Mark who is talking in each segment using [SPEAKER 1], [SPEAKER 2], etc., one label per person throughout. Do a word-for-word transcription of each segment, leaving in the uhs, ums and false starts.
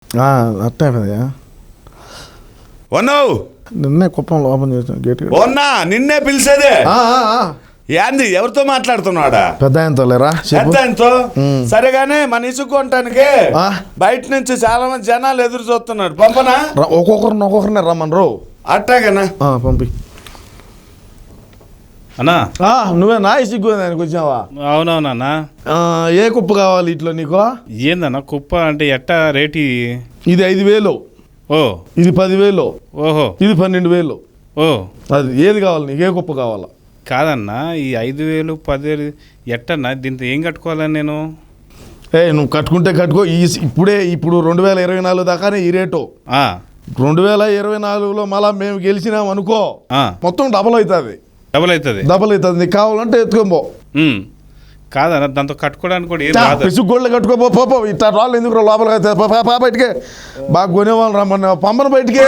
[SPEAKER 1] అట్టే కదా
[SPEAKER 2] ఉన్నావు
[SPEAKER 1] నిన్నే కుప్పం ఓపెన్ చేసాను గేట్
[SPEAKER 2] ఉన్నా నిన్నే పిలిచేదే ఏంది ఎవరితో మాట్లాడుతున్నాడా
[SPEAKER 1] పెద్ద ఆయనతో లేరా
[SPEAKER 2] పెద్ద ఆయనతో సరేగానే మన ఇసుకుంటానికి బయట నుంచి చాలా మంది జనాలు ఎదురు చూస్తున్నారు పంపనా
[SPEAKER 1] ఒక్కొక్కరిని ఒక్కొక్కరిని రమ్మని రో
[SPEAKER 2] అట్టాగనా
[SPEAKER 1] పంపి
[SPEAKER 3] అన్నా
[SPEAKER 1] నువ్వేనా ఇసుకు దానికి వచ్చావా?
[SPEAKER 3] అవునవునన్నా.
[SPEAKER 1] ఏ కుప్ప కావాలి ఇట్లా నీకు?
[SPEAKER 3] ఏందన్నా కుప్ప అంటే ఎట్టా రేటు?
[SPEAKER 1] ఇది ఐదు వేలు.
[SPEAKER 3] ఓ
[SPEAKER 1] ఇది పదివేలు.
[SPEAKER 3] ఓహో ఇది
[SPEAKER 1] పన్నెండు వేలు.
[SPEAKER 3] ఓ అది
[SPEAKER 1] ఏది కావాలి నీకు? ఏ కుప్ప కావాలా?
[SPEAKER 3] కాదన్నా ఈ ఐదు వేలు పదివేలు ఎట్టన్నా దీంతో ఏం కట్టుకోవాలని నేను?
[SPEAKER 1] ఏ నువ్వు కట్టుకుంటే కట్టుకో. ఈ ఇప్పుడే ఇప్పుడు రెండు వేల ఇరవై నాలుగు దాకానే ఈ రేటు. రెండు వేల ఇరవై నాలుగులో మళ్ళా మేము గెలిచినాం అనుకో మొత్తం డబల్ అవుతుంది.
[SPEAKER 3] డబల్ అవుతుంది
[SPEAKER 1] డబల్ అవుతుంది. నీకు కావాలంటే ఎత్తుకోబో.
[SPEAKER 3] కాదన్నా దాంతో కట్టుకోవడానికి కూడా ఏం
[SPEAKER 1] పిసుగోళ్ళు కట్టుకోబో. పోపో ఇట్లా రాళ్ళు ఎందుకు లోపల పా బయటికే బాగా కొనేవాళ్ళు రమ్మన్న పంపన బయటికే.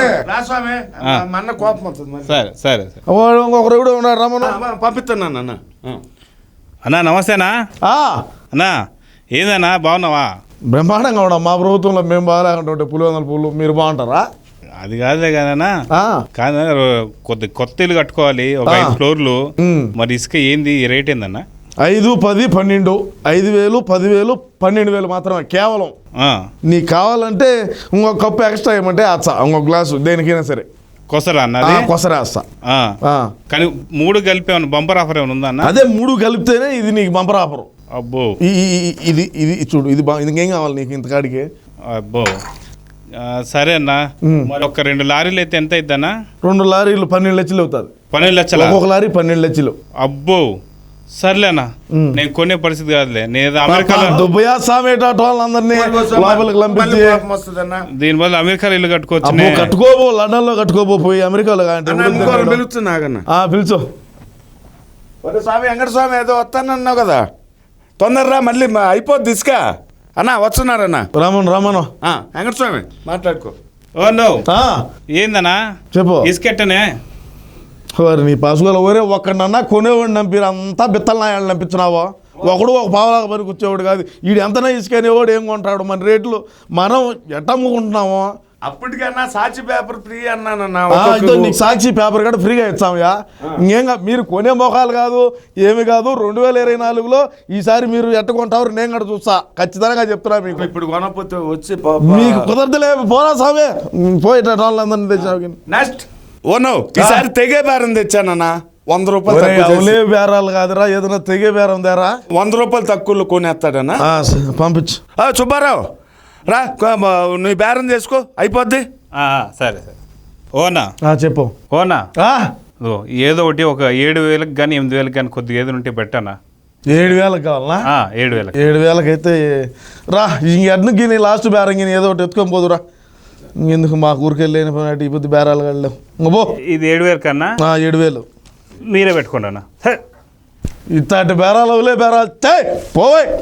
[SPEAKER 3] సరే సరే
[SPEAKER 1] ఇంకొకరు కూడా ఉన్నాడు రమ్మను
[SPEAKER 2] పంపిస్తాను అన్న.
[SPEAKER 3] అన్నా నమస్తేనా అన్నా. ఏందన్నా బాగున్నావా?
[SPEAKER 1] బ్రహ్మాండంగా ఉన్నాం. మా ప్రభుత్వంలో మేము బాగాలేకుంటుంటే పులివెందుల పూలు మీరు బాగుంటారా?
[SPEAKER 3] అది కాదులే కదన్నా. కాదు కొద్ది కొత్త ఇల్లు కట్టుకోవాలి ఒక ఐదు ఫ్లోర్లు. మరి ఇసుక ఏంది రేట్ ఏందన్నా?
[SPEAKER 1] ఐదు పది పన్నెండు ఐదు వేలు పదివేలు పన్నెండు వేలు మాత్రమే కేవలం. నీకు కావాలంటే ఇంకొక కప్పు ఎక్స్ట్రా ఇవ్వమంటే అచ్చా ఇంకొక గ్లాసు దేనికైనా సరే
[SPEAKER 3] కొసరా అన్న
[SPEAKER 1] కొసరా వస్తా.
[SPEAKER 3] కానీ మూడు కలిపి ఏమన్నా బంపర్ ఆఫర్ ఏమైనా ఉందా అన్న?
[SPEAKER 1] అదే మూడు కలిపితేనే ఇది నీకు బంపర్ ఆఫర్.
[SPEAKER 3] అబ్బో
[SPEAKER 1] ఇది ఇది చూడు ఇది బా ఇంకేం కావాలి నీకు ఇంతకాడికి?
[SPEAKER 3] అబ్బో సరే అన్న. మరి ఒక రెండు లారీలు అయితే ఎంత అవుతుందన్నా?
[SPEAKER 1] రెండు లారీలు పన్నెండు లక్షలు అవుతుంది.
[SPEAKER 3] పన్నెండు లక్షలు
[SPEAKER 1] ఒక లారీ పన్నెండు లక్షలు.
[SPEAKER 3] అబ్బో సర్లేనా నేను కొనే పరిస్థితి కాదులే. నేను అమెరికాలో దీని వల్ల అమెరికాలో ఇల్లు కట్టుకోవచ్చు.
[SPEAKER 1] కట్టుకోబో లండన్ లో కట్టుకోబో పోయి అమెరికాలో పిలుచు.
[SPEAKER 2] స్వామి వెంకట స్వామి ఏదో వస్తానన్నావు కదా తొందరరా మళ్ళీ అయిపోద్ది ఇసుక అన్నా. వస్తున్నారన్నా
[SPEAKER 1] రామన్ రామను
[SPEAKER 2] వెంకట స్వామి మాట్లాడుకో.
[SPEAKER 3] ఓ నో ఏందన్నా
[SPEAKER 1] చెప్పు.
[SPEAKER 3] ఇసుకెట్టనే
[SPEAKER 1] నీ పాసుగోలు ఊరే ఒక్కడన్నా కొనేవాడిని నంపిరు అంతా బిత్తల నాయాలు నంపించినావో. ఒకడు ఒక పావలాగా పనికి వచ్చేవాడు కాదు. వీడు ఎంతనా ఇసుకనేవాడు ఏం కొంటాడు? మన రేట్లు మనం ఎట్ట అమ్ముకుంటున్నాము?
[SPEAKER 2] అప్పటికన్నా సాక్షి పేపర్ ఫ్రీ అన్నానన్నా.
[SPEAKER 1] నీకు సాక్షి పేపర్ కూడా ఫ్రీగా ఇచ్చామయ్యా. ఇంకేం మీరు కొనే మొఖాలు కాదు ఏమి కాదు. రెండు వేల ఇరవై నాలుగులో ఈసారి మీరు ఎట్ట కొంటారు నేను కూడా చూస్తా ఖచ్చితంగా చెప్తున్నా మీకు.
[SPEAKER 2] ఇప్పుడు కొనకపోతే వచ్చి
[SPEAKER 1] మీకు కుదరదులే పోరా సామే పోయేట వాళ్ళందరినీ తెచ్చావు.
[SPEAKER 2] నెక్స్ట్ ఓ నో ఈసారి తెగే బేరం తెచ్చానన్నా. వంద రూపాయలు
[SPEAKER 1] బేరాలు కాదురా ఏదైనా తెగే బేరం దేరా.
[SPEAKER 2] వంద రూపాయలు తక్కువలో కొనేస్తాడన్నా.
[SPEAKER 1] పంపించు.
[SPEAKER 2] సుబ్బారావు రా నువ్వు బేరం చేసుకో అయిపోద్ది.
[SPEAKER 3] సరే సరే ఓనా
[SPEAKER 1] చెప్పు.
[SPEAKER 3] ఓనా ఏదో ఒకటి ఒక ఏడు వేలకు కానీ ఎనిమిది వేలకు కానీ కొద్దిగా ఏదో ఉంటే పెట్టానా?
[SPEAKER 1] ఏడు వేలకు కావాలనా?
[SPEAKER 3] ఏడు వేలకు
[SPEAKER 1] ఏడు వేలకైతే రా. ఇంకెడ్ను గిని లాస్ట్ బేరం గిని ఏదో ఒకటి ఎత్తుకొని పోదురా. ఇంకెందుకు మా ఊరికెళ్ళి ఈ పొద్దు బేరాలు కడలేవు. ఇంకో
[SPEAKER 3] ఇది ఏడు వేలు కన్నా
[SPEAKER 1] ఏడు వేలు
[SPEAKER 3] మీరే పెట్టుకోండి అన్న.
[SPEAKER 1] ఇట్లాంటి బేరాలు అవలే బేరాలు పోవే.